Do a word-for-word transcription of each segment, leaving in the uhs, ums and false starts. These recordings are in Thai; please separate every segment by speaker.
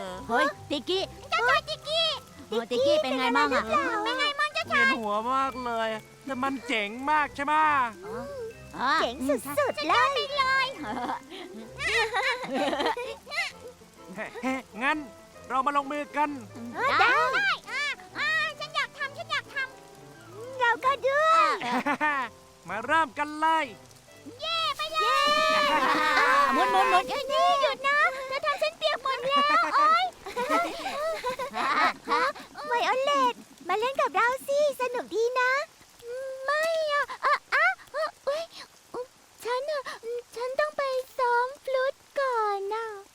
Speaker 1: เฮ้ยติกกี้เจ้าชายติกกี้ติกกี้เป็นไงมั่งอะ
Speaker 2: เป็นไงมั่งเจ้า
Speaker 3: เวียนหัวมากเลยแต่มันเจ๋งมากใช่ไหม
Speaker 2: เจ๋งสุดๆเลย
Speaker 3: งั้นเรามาลงมือกัน
Speaker 2: ได้ฉันอยากทำฉันอยากทำเราก็ด้วย
Speaker 3: มาเริ่มกันเลย
Speaker 2: ไปเลย
Speaker 1: หมุนหมุนหมุน
Speaker 2: นี่หยุดนะเธอทำฉันเปียกหมดแล้วโอ๊ยไวโอเลตมาเล่นกับเราสิสนุกดีนะ ไม่อะอ่ะอ่ะเอ้ยฉันอะฉันต้องไปซ้อมฟลุตก่อนนะ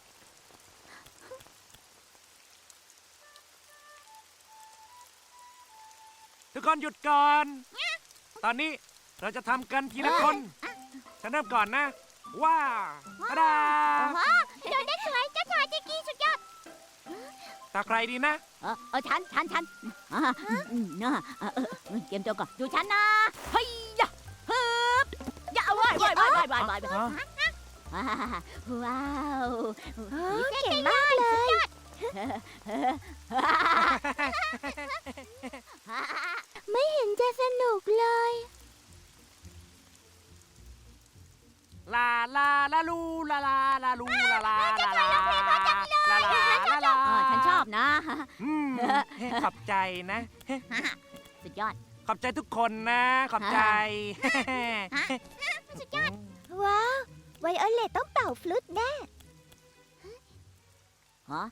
Speaker 3: ทุกคนหยุดก่อน ตอนนี้เราจะทำกันทีละคน ฉันเริ่มก่อนนะ ว้าวตาดา
Speaker 2: เดินได้สวยเจ้าชายจิกกี้สุดยอด
Speaker 3: ตาใครดีนะ
Speaker 1: เออเออฉันฉันฉันอ่าอืมนะเออเออเออเตรียมตัวก่อนดูฉันนะเฮ้ยยะฮึบยะเอาไว้ไว้ไว้ไว้ไว้ไว้ว้าว
Speaker 2: เก่งมากเลยไม่เห็นจะสนุกเลย
Speaker 3: ลาลาลาลูลาลาลาลูลาลาลาลาลาลาลาลา
Speaker 1: เออฉันชอบนะ
Speaker 3: อืมขอบใจนะ
Speaker 1: สุดยอด
Speaker 3: ขอบใจทุกคนนะ ขอบใจ
Speaker 2: ว้าว ไวโอเลตต้องเป่าฟลุตแน่
Speaker 1: ฮะ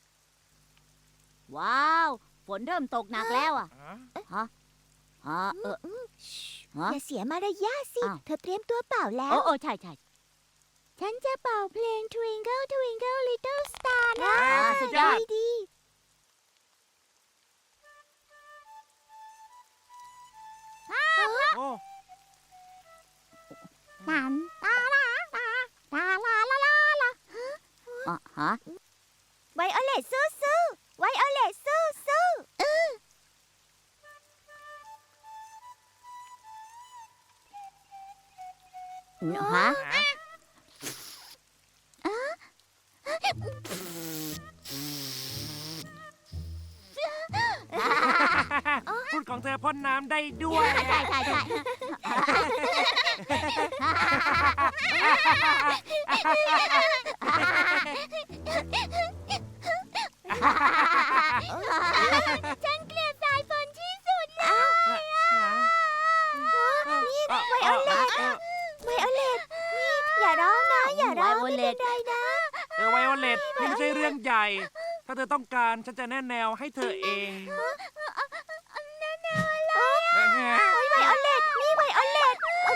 Speaker 1: ว้าว ฝนเริ่มตกหนักแล้วอ่ะ ฮะ ฮะ เออฮะ
Speaker 2: อย่าเสียมารยาทสิ
Speaker 1: อ้าว
Speaker 2: เธอเตรียมตัวเป่าแล้
Speaker 1: โอ้
Speaker 2: ว
Speaker 1: โอ้ใช่ใช่
Speaker 2: ฉันจะเป่าเพลง Twinkle Twinkle Little Star นะ
Speaker 3: อ่าสุดยอด
Speaker 2: ดี
Speaker 3: โอ้
Speaker 2: ๆนันตาลาลาตาลาลาลาลา
Speaker 1: อ่ะฮะ
Speaker 2: ไวโอเลตสู้สู้ไวโอเลตสู้สู้
Speaker 1: ฮะ
Speaker 3: พูดของเธอพ่นน้ำได้ด้วย
Speaker 1: ใช่ใช่ใช่
Speaker 2: ฉันเกลียดสายฝนที่สุดเลย นี่ไวโอเลตไวโอเลตนี่อย่าร้องนะ อย่าร้องไม่เป็นไรนะ
Speaker 3: เออไวโอเลตนี่ไม่ใช่เรื่องใหญ่ ถ้าเธอต้องการฉันจะแนะแนวให้เธอเอง
Speaker 2: แน่ๆเลยโอ้ยไวโอเลตนี่ไวโอเลต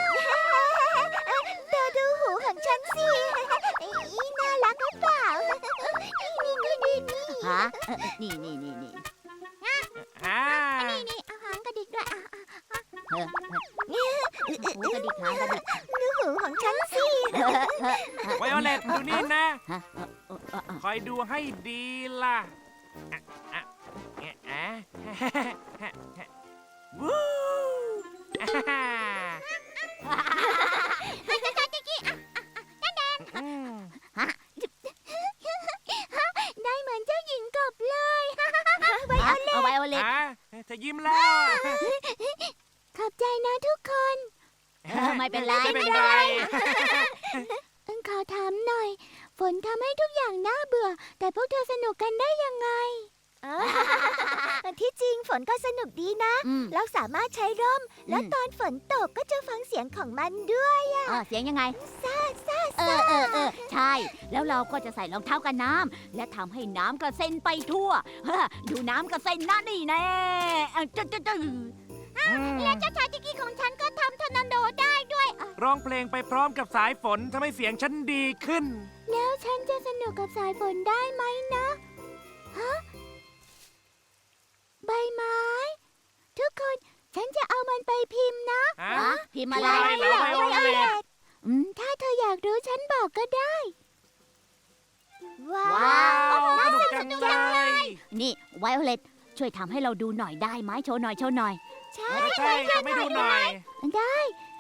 Speaker 2: เธอดูหูของฉันสิอีน่ารักหรือเปล่านี่นี่นี่นี่
Speaker 1: ฮะเออนี่นี่นี่นี่
Speaker 3: อ่า
Speaker 2: นี่อาหารกระดิกด้วย
Speaker 1: เออหูกระดิกหางกระดิก
Speaker 2: ดูหูของฉันสิ
Speaker 3: ไวโอเลตดูนี่นะ
Speaker 1: ฮะเออเออเออเออ
Speaker 3: คอยดูให้ดีล่ะอ่ะอ่ะอ่ะอ่ะวู้อ่าอืม
Speaker 2: ได้เหมือนเจ้าหญิงกบเลยไวโอเลต
Speaker 1: เอาไวโอเลต
Speaker 3: อ่ะเธอยิ้มแล้ว
Speaker 2: ขอบใจนะทุกคน
Speaker 1: เออไม่เป็นไร
Speaker 3: ไม่เป็นไร
Speaker 2: เอิงขอถามหน่อย ฝนทำให้ทุกอย่างน่าเบื่อ แต่พวกเธอสนุกกันได้ยังไง ที่จริงฝนก็สนุกดีนะ
Speaker 1: อืม
Speaker 2: เราสามารถใช้ร่ม แล้ว
Speaker 1: อืม
Speaker 2: ตอนฝนตกก็จะฟังเสียงของมันด้วย
Speaker 1: เออเสียงยังไง
Speaker 2: ซ่าซ่า
Speaker 1: เออเออเออใช่ แล้วเราก็จะใส่รองเท้ากันน้ำและทำให้น้ำกระเซ็นไปทั่วฮะดูน้ำกระเซ็นนะนี่แน่เออจ๊ะจ๊ะจ๊ะ
Speaker 2: แล้วเจ้าชายจิกกี้ของฉันก็ทำทอร์นาโดได้ด้วย
Speaker 3: ร้องเพลงไปพร้อมกับสายฝนทำให้เสียงฉันดีขึ้น
Speaker 2: แล้วฉันจะสนุกกับสายฝนได้ไหมนะ ฮะ ใบไม้ ทุกคนฉันจะเอามันไปพิมพ์นะ
Speaker 3: ฮะ
Speaker 1: ฮะพิมพ์อะไร
Speaker 3: อะไรเหรอไวโอเลต
Speaker 2: อืมถ้าเธออยากรู้ฉันบอกก็ได้ ว้า
Speaker 1: ว้าว
Speaker 3: สนุกจังเลย
Speaker 1: นี่ไวโอเลตช่วยทำให้เราดูหน่อยได้ไหมโชว์หน่อยโชว์หน่อย
Speaker 2: ใช่
Speaker 3: เออใช่ทำให้ดูหน่อย
Speaker 2: ได้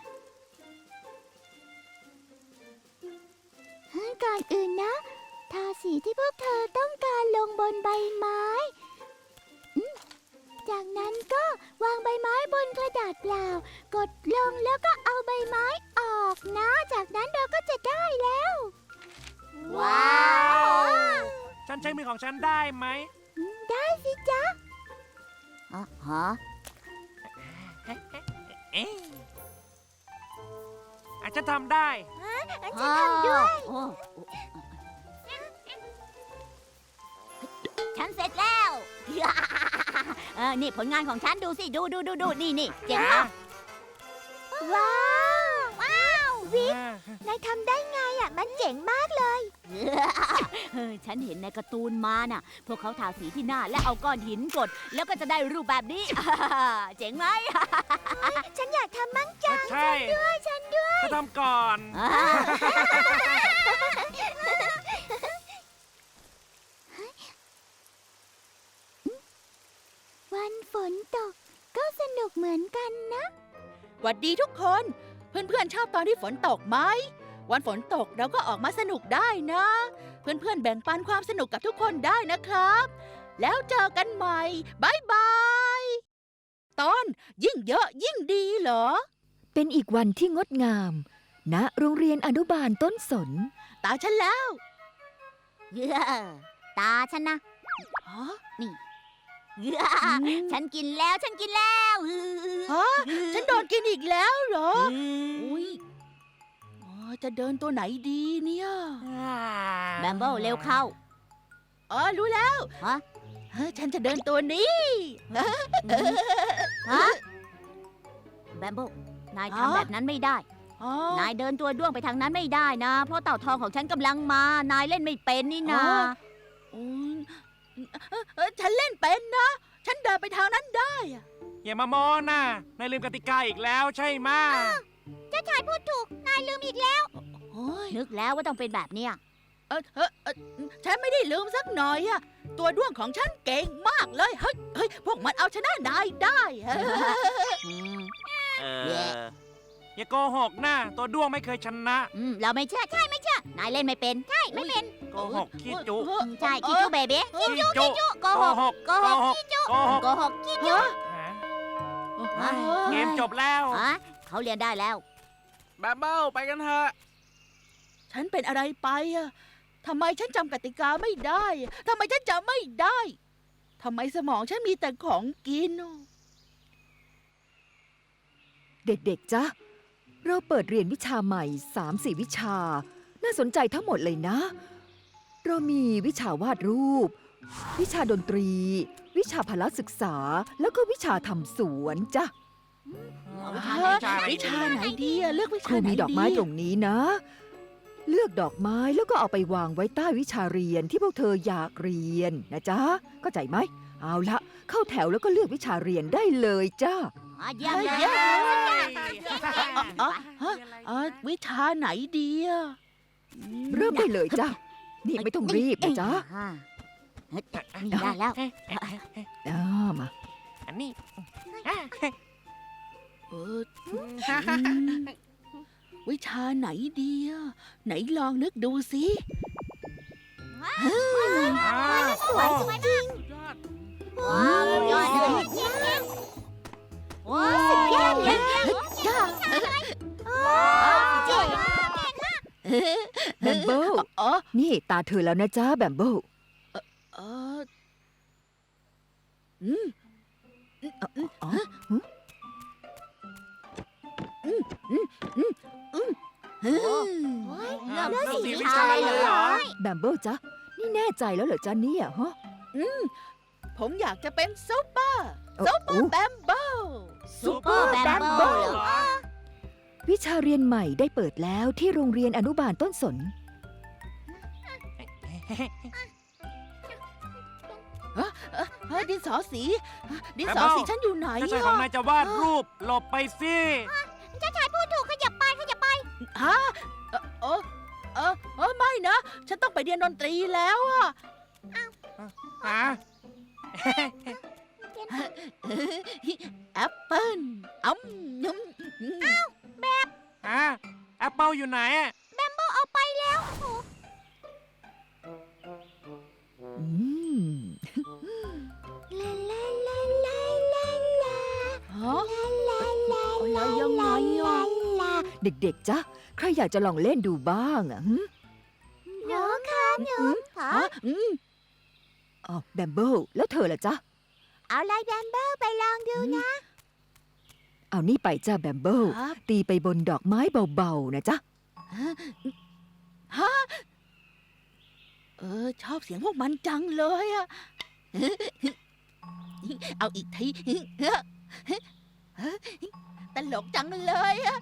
Speaker 2: ก่อนอื่นนะ ทาสีที่พวกเธอต้องการลงบนใบไม้อืมจากนั้นก็วางใบไม้บนกระดาษเปล่า กดลงแล้วก็เอาใบไม้ออกนะ จากนั้นเราก็จะได้แล้ว
Speaker 1: ว้าว
Speaker 3: ฉันใช้มือของฉันได้ไหม
Speaker 2: ได้สิจ๊ะ
Speaker 1: ฮะฮะ
Speaker 3: เอ๊ะอาจจะทำได้
Speaker 2: ฉันทำด้วย
Speaker 1: โอ้ฉันเสร็จแล้ว เออนี่ผลงานของฉันดูสิดูดูดูดูนี่นี่เจ๋งปะ
Speaker 2: ว้าว ว้าว วิกนายทำได้ไงอ่ะ มันเจ๋งมากเลย
Speaker 1: เออฉันเห็นในการ์ตูนมาน่ะ พวกเขาทาสีที่หน้าและเอาก้อนหินกด แล้วก็จะได้รูปแบบนี้ เจ๋งไหม
Speaker 2: ฉันอยากทำมั่งจัง
Speaker 3: ใช่
Speaker 2: ด้วยฉันด้วย
Speaker 3: จะทำก่อน
Speaker 1: อ่า
Speaker 2: วันฝนตก ก็สนุกเหมือนกันนะ
Speaker 4: หวัดดีทุกคน เพื่อนๆชอบตอนที่ฝนตกไหมวันฝนตกเราก็ออกมาสนุกได้นะ เพื่อนๆแบ่งปันความสนุกกับทุกคนได้นะครับ แล้วเจอกันใหม่บายบายตอนยิ่งเยอะยิ่งดีเหรอ
Speaker 5: เป็นอีกวันที่งดงาม ณ โรงเรียนอนุบาลต้นสน
Speaker 4: ตาฉันแล้ว
Speaker 2: เย้ตาฉันนะ
Speaker 4: ฮะ
Speaker 2: เย้ฉันกินแล้วฉันกินแล้ว
Speaker 4: ฮะฉันโดนกินอีกแล้วเหรอ อุ้ยอ๋อจะเดินตัวไหนดีเนี่ย
Speaker 1: แบมเบิลเร็วเข้า
Speaker 4: อ๋อรู้แล้ว
Speaker 1: ฮะ
Speaker 4: เฮ้ยฉันจะเดินตัวนี้
Speaker 1: ฮะแบมเบิลนาย
Speaker 4: ฮะ
Speaker 1: ทำแบบนั้นไม่ได้
Speaker 4: อ๋อ
Speaker 1: นายเดินตัวด้วงไปทางนั้นไม่ได้นะ เพราะเต่าทองของฉันกำลังมา นายเล่นไม่เป็นนี่นา
Speaker 4: อืมเอ้ยฉันเล่นเป็นนะ ฉันเดินไปทางนั้นได้อะ
Speaker 3: อย่ามามอนะนายลืมกติกาอีกแล้วใช่ไหมะ
Speaker 2: เจ้าชายพูดถูก นายลืมอีกแล้ว
Speaker 4: โอ้ย
Speaker 1: นึกแล้วว่าต้องเป็นแบบเนี้ย
Speaker 4: เออเออเออฉันไม่ได้ลืมสักหน่อยอะตัวด้วงของฉันเก่งมากเลย เฮ้ยเฮ้ยพวกมันเอาชนะนายได้อะ
Speaker 1: อืม
Speaker 3: เอ
Speaker 1: แย่
Speaker 3: ออย่าโกหกนะตัวด้วงไม่เคยชนะ
Speaker 1: อืมเราไม่เชื่อใช่ไม่เชื่อนายเล่นไม่เป็นใช่ไม่เป็น
Speaker 3: โกหกขี้จุ
Speaker 4: เออ
Speaker 1: อืมใช่คิจูเบเบ้
Speaker 3: ขี้จุ
Speaker 1: โกหก
Speaker 3: หก
Speaker 1: โกหก
Speaker 3: โกหกโกหก
Speaker 1: โกหกขี้
Speaker 4: เออ
Speaker 3: ฮะ
Speaker 4: เออ
Speaker 3: เกมจบแล้ว
Speaker 1: ฮะเขาเรียนได้แล้ว
Speaker 6: แบมเบิลไปกันเถอะ
Speaker 4: ฉันเป็นอะไรไปอะทำไมฉันจำกติกาไม่ได้อะทำไมฉันจำไม่ได้ทำไมสมองฉันมีแต่ของกินอะ
Speaker 5: เด็กๆ จ๊ะ เราเปิดเรียนวิชาใหม่ สามสี่ วิชา น่าสนใจทั้งหมดเลยนะ เรามีวิชาวาดรูป วิชาดนตรี วิชาพละศึกษา แล้วก็วิชาทำสวนจ้ะ
Speaker 1: เอาวิชา
Speaker 4: เอ
Speaker 1: ไหน
Speaker 4: อวิชาไหนดีอะเลือกวิ
Speaker 5: ค
Speaker 4: ชา
Speaker 5: รู
Speaker 4: ไหน
Speaker 5: มี
Speaker 4: ดี
Speaker 5: ดอกไม้ตรงนี้นะ เลือกดอกไม้แล้วก็เอาไปวางไว้ใต้วิชาเรียนที่พวกเธออยากเรียนนะจ๊ะ เข้าใจไหม เอาละเข้าแถวแล้วก็เลือกวิชาเรียนได้เลยจ้า
Speaker 1: อ่ะเยี่ยมเลย
Speaker 4: เยี่ยม
Speaker 1: ไป
Speaker 4: อ๋อฮะเออวิชาไหนดีอะอืม
Speaker 5: เริ่มได้เลยจ้ะ นี่ไม่ต้องรีบนะจ๊ะ
Speaker 1: อ่าเฮ้ยนี่ได้แล้ว
Speaker 5: อ่ามา
Speaker 3: อันนี้
Speaker 4: เอออืมวิชาไหนดีอะไหนลองนึกดูสิ
Speaker 2: สวยสวยจริง
Speaker 1: ว้าวยอดเลยว้าวยอดเลย
Speaker 4: จ้า
Speaker 2: เจ๋ง
Speaker 5: แบมเบิล
Speaker 4: อ๋อ
Speaker 5: นี่ตาเธอแล้วนะจ๊ะแบมเบิล
Speaker 4: เอออืม
Speaker 5: อ๋อ
Speaker 4: อืม
Speaker 3: เริ่ม
Speaker 2: เลือก
Speaker 3: เริ่ม
Speaker 2: สี
Speaker 3: สี
Speaker 2: วิ
Speaker 3: วิ
Speaker 2: ชา
Speaker 3: ชา
Speaker 2: เล
Speaker 3: เลย ย
Speaker 2: เห
Speaker 3: เห
Speaker 2: ร
Speaker 3: ร
Speaker 2: อ
Speaker 3: อ
Speaker 5: แบมเบิลจ๊ะ นี่แน่ใจแล้วเหรอจ๊ะเนี่ยฮะ
Speaker 4: ผมอยากจะเป็นซุปเปอร์
Speaker 5: โอ้
Speaker 4: ซุปเปอ
Speaker 5: โอ้
Speaker 4: ร์แบมเบิล
Speaker 1: ซุปเปอร์แบมเบิล
Speaker 3: เหรอ
Speaker 5: วิชาเรียนใหม่ได้เปิดแล้วที่โรงเรียนอนุบาลต้นสน
Speaker 4: เฮ้ยดินสอสี ดินสอ
Speaker 3: แบมเบิล
Speaker 4: สีฉันอยู่ไหน
Speaker 3: เจ้าชาย
Speaker 4: อะ
Speaker 3: ของนายจะวาดรูปหลบไปสิ
Speaker 2: เจ้าชายพูดถูกขยับไปขยับไป
Speaker 4: ฮะเออเออเออเออไม่นะ ฉันต้องไปเรียนดนตรีแล้วอะ
Speaker 3: ฮะ
Speaker 4: แอปเปิ้ลอ้ำยำอ้าว
Speaker 3: ฮะแอปเปิลอยู่ไหนอะ
Speaker 2: เอาไปแล้ว
Speaker 5: อืม
Speaker 2: ลาลาลาลาลาลา
Speaker 4: ฮะ
Speaker 2: ลาลา
Speaker 4: อะไรยังไงอะ
Speaker 2: ลา
Speaker 5: เด็กๆ จ๊ะ ใครอยากจะลองเล่นดูบ้างอ่ะหึ
Speaker 2: หนูค่ะหนูขอ
Speaker 4: ฮะอืม
Speaker 5: อ๋อแบมเบิลแล้วเธอล่ะจ๊ะ
Speaker 2: เอาลายแบมเบิลไปลองดูนะ
Speaker 5: เอานี่ไปจ้าแบมเบิล
Speaker 4: ครับ
Speaker 5: ตีไปบนดอกไม้เบาๆ นะจ๊ะ
Speaker 4: ฮะเออ ชอบเสียงพวกมันจังเลยอะเอาอีกทีตลกจังเลยอะ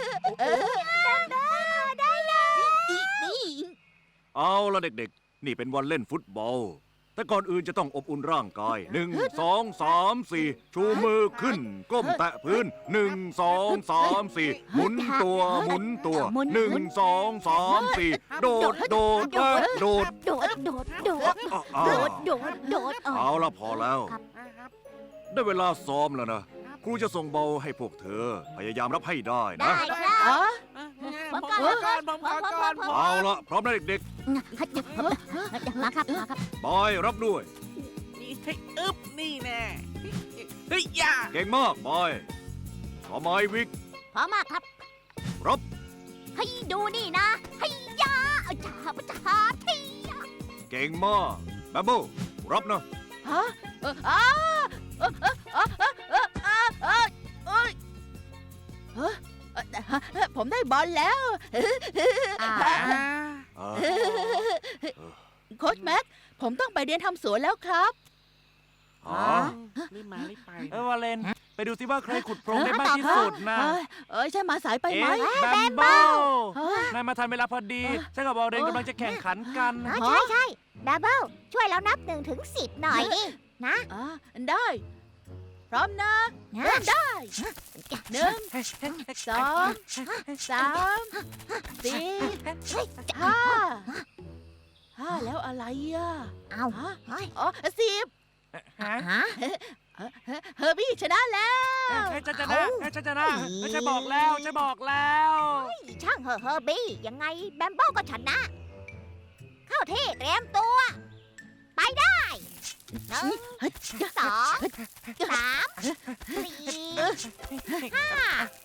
Speaker 4: ได้เลยนี่
Speaker 7: เอาละเด็กๆ นี่เป็นวันเล่นฟุตบอล แต่ก่อนอื่นจะต้องอบอุ่นร่างกาย หนึ่ง สอง สาม สี่ ชูมือขึ้น ก้มแตะพื้น หนึ่ง สอง สาม สี่ หมุนตัว หมุนตัว หนึ่ง สอง สาม สี่ โดด โดดและโดด
Speaker 1: โดดโดดโดด
Speaker 7: อ่ะอ่ะ
Speaker 1: โด
Speaker 7: อ่ะ
Speaker 1: ดโดดโดดอ๋อ
Speaker 7: เอาละพอแล้ว
Speaker 1: ครับ
Speaker 7: ได้เวลาซ้อมแล้วนะ ครูจะส่งเบาให้พวกเธอ พยายามรับให้ได้นะ
Speaker 2: ได้ครับ
Speaker 4: อ๋อ
Speaker 6: อ่ะ
Speaker 1: ผม
Speaker 6: ผม
Speaker 1: ก่อน
Speaker 6: ขอก่อนผมขอก่อนผม
Speaker 7: เอาละพร้อมนะเด็ก
Speaker 1: มาครับมาครับ
Speaker 7: ๆบอยรับด้วย
Speaker 6: นี่ให้อึ๊บนี่แน่เฮ้ยอย่า
Speaker 7: เก่งมากบอยขอไม้วิก
Speaker 1: พร้อมมากครับ
Speaker 7: รับ
Speaker 1: ให้ดูนี่นะให้ยาเอาจ้าปะจ้าที
Speaker 7: เก่งมากแบมเบิลรับนะ
Speaker 4: ฮะเอออ้าเออเออเออเออเออเออเออเอ้ยเฮ้ยเอ่อผมได้บอลแล้ว
Speaker 1: อ่า
Speaker 7: อ่า
Speaker 4: โค้ชแม็ก ผมต้องไปเรียนทำสวนแล้วครับ
Speaker 7: อ๋อ
Speaker 6: รีบมารีบไป
Speaker 3: เออวาเลน ไปดูสิว่าใครขุดโพรงได้มากที่สุดนะ
Speaker 4: เอ้ยเอ้ยใช่มาสายไปไหม
Speaker 3: เอ๊ะแบมเบิล
Speaker 4: เฮ้ย
Speaker 3: นายมาทันเวลาพอดีฉันกับวาเลนกำลังจะแข่งขันกัน
Speaker 2: อ๋อใช่ใช่ดับเบิลช่วยเรานับหนึ่งถึงสิบหน่อยดิ นะ
Speaker 4: อ่าได้ พร้อมนะ
Speaker 2: นะ
Speaker 4: เริ่มได้หนึ่งสองสามสี่ห้าห้าแล้วอะไรอ่ะ
Speaker 2: เอา
Speaker 4: ฮะ
Speaker 2: เฮ้ย
Speaker 4: อ๋อสิบ
Speaker 3: ฮะ
Speaker 2: ฮะ
Speaker 4: เฮอร์บี้ชนะแล้ว
Speaker 3: ให้ฉันชนะให้ฉันชนะให้ฉันบอกแล้วฉันบอกแล้ว
Speaker 2: ช่างเหอะเฮอร์บี้ ยังไงแบมเบิลก็ชนะ เข้าที่เตรียมตัว ไปได้หนึ่งสองสามสี่ห้า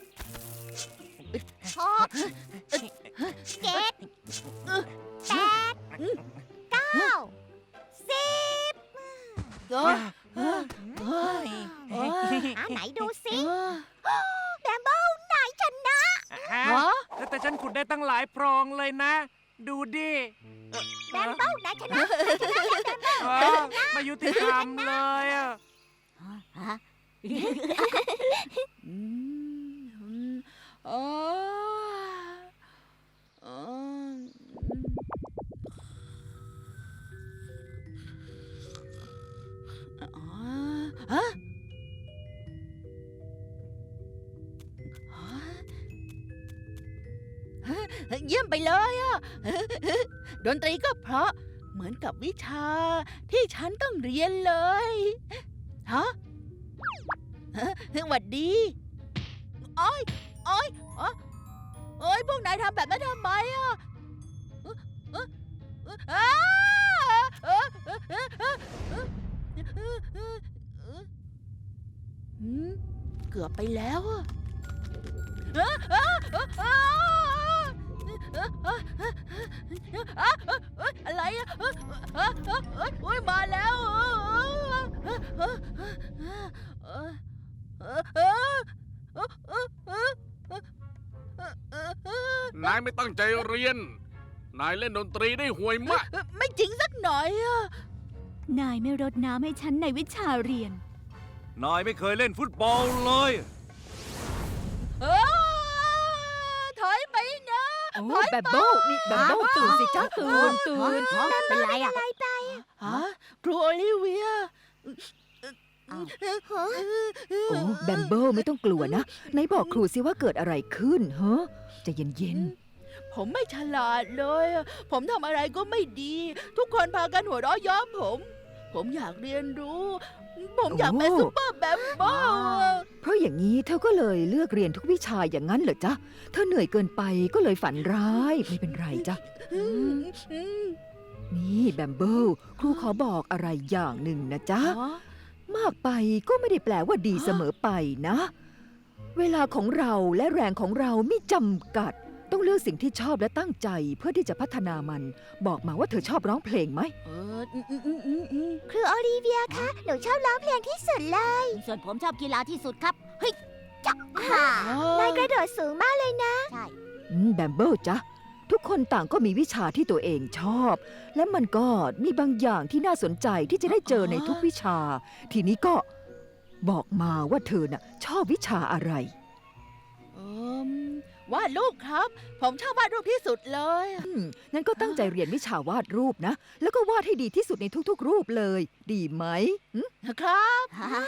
Speaker 2: หกเจ็ดแปดเก้าสิบ
Speaker 4: เออเออเฮ้ยเอ้ย
Speaker 2: อ่ะไหนดูสิ
Speaker 4: เออ
Speaker 2: แบมเบิลไหนชนะ
Speaker 3: ฮะ
Speaker 4: ฮะ
Speaker 3: แต่ฉันขุดได้ตั้งหลายโพรงเลยนะ ดูดิ
Speaker 2: แบมเบิลไหนชนะ
Speaker 3: เออไมายุติธรรมเลยอะ
Speaker 1: ฮะ
Speaker 4: อืมอืมอ๋ออ๋ออ๋อฮะฮะเยี่ยมไปเลยอ่ะ ดนตรีก็เพราะเหมือนกับวิชาที่ฉันต้องเรียนเลยฮะฮะหวัดดีโอ้ยโอ้ยอ๋อโอ้ยพวกนายทำแบบนั้นทำไมอ่ะเอ๊ะเอ๊ะเอ๊ะอ้าเอ๊ะเอ๊ะเอ๊ะเอ๊ะเอ๊ะเอ๊ะเอ๊ะเอ๊ะเอ๊ะหืมเกือบไปแล้วอ่ะเอ๊ะเอ๊ะเอ๊ะเอ๊ะเอ๊ะเอ๊ะเอ๊ะเอ๊ะเอ๊ะอะไรอ่ะเอ๊ะเอ๊ะเอ๊ะเอ๊ะโอ้ยมาแล้วเอ๊ะเอ๊ะเอ๊ะเอ๊ะเอ๊ะเอ๊ะเอ๊ะเอ๊ะเอ๊ะเอ๊ะเอ๊ะเอ๊ะ
Speaker 6: นายไม่ตั้งใจเรียน นายเล่นดนตรีได้ห่วยมาก
Speaker 4: ไม่จริงสักหน่อยอ่ะ
Speaker 1: นายไม่รดน้ำให้ฉันในวิชาเรียน
Speaker 7: นายไม่เคยเล่นฟุตบอลเลย
Speaker 4: เออถอยไปนะ
Speaker 5: โอ้แบมเบิลนี่แบมเบิลตื่นสิจ้าตื่นตื่น
Speaker 1: เป็นไรอ่ะ
Speaker 4: ฮะครูโอลิเวีย
Speaker 1: อ้าว
Speaker 5: โอ้แบมเบิลไม่ต้องกลัวนะไหนบอกครูสิว่าเกิดอะไรขึ้นเฮ้ใจะเย็น
Speaker 4: ผมไม่ฉลาดเลยอะผมทำอะไรก็ไม่ดี ทุกคนพากันหัวเราะย้อมผม ผมอยากเรียนรู้ ผมอยากเป็นซุปเปอร์แบมเบิลอะ
Speaker 5: ๆ เพราะอย่างนี้เธอก็เลยเลือกเรียนทุกวิชาอย่างนั้นเหรอจ๊ะเธอเหนื่อยเกินไปก็เลยฝันร้ายไม่เป็นไรจ้ะ
Speaker 4: อืมอืม
Speaker 5: นี่แบมเบิลครูขอบอกอะไรอย่างหนึ่งนะจ๊ะ
Speaker 4: อ๋อ
Speaker 5: มากไปก็ไม่ได้แปลว่าดีเสมอไปนะ เวลาของเราและแรงของเราไม่จำกัด ต้องเลือกสิ่งที่ชอบและตั้งใจเพื่อที่จะพัฒนามัน บอกมาว่าเธอชอบร้องเพลงไหม
Speaker 4: เอออืมอืมอืมอืมอืม
Speaker 2: ครูโอลิเวียคะ หนูชอบร้องเพลงที่สุดเลย
Speaker 1: ส่วนผมชอบกีฬาที่สุดครับ เฮ้ย
Speaker 2: ค่ะ
Speaker 4: อ๋
Speaker 2: นาย
Speaker 4: อก
Speaker 2: ระโดดสูงมากเลยนะ
Speaker 1: ใช่
Speaker 5: อืมแบมเบิลจ๊ะ ทุกคนต่างก็มีวิชาที่ตัวเองชอบ และมันก็มีบางอย่างที่น่าสนใจที่จะได้เจอในทุกวิชา ทีนี้ก็บอกมาว่าเธอน่ะชอบวิชาอะไร
Speaker 4: เอมวาดรูปครับ ผมชอบวาดรูปที่สุดเลย
Speaker 5: อืมงั้นก็ตั้งใจเรียนวิชาวาดรูปนะ แล้วก็วาดให้ดีที่สุดในทุกๆ รูปเลย ดีไหมหึ
Speaker 4: ครับ
Speaker 1: ฮะ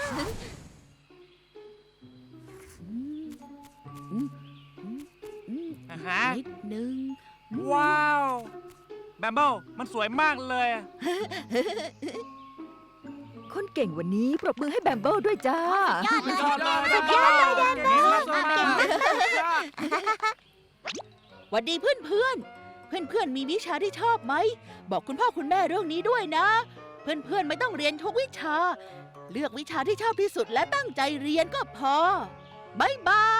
Speaker 4: อืมอืมอืมอืม
Speaker 3: อ่าฮะ
Speaker 4: นิดนึง
Speaker 3: ว้าว แบมเบิลมันสวยมากเลยอะ
Speaker 5: คนเก่งวันนี้ปรบมือให้แบมเบิลด้วยจ้า
Speaker 1: ยอดเลย
Speaker 3: ชอบเลย
Speaker 1: สุดยอดเลย
Speaker 3: เก่งมากเลย
Speaker 6: สุดยอด
Speaker 4: หวัดดีเพื่อนเพื่อนเพื่อนเพื่อนๆมีวิชาที่ชอบไหม บอกคุณพ่อคุณแม่เรื่องนี้ด้วยนะ เพื่อนเพื่อนๆไม่ต้องเรียนทุกวิชา เลือกวิชาที่ชอบที่สุดและตั้งใจเรียนก็พอบายบาย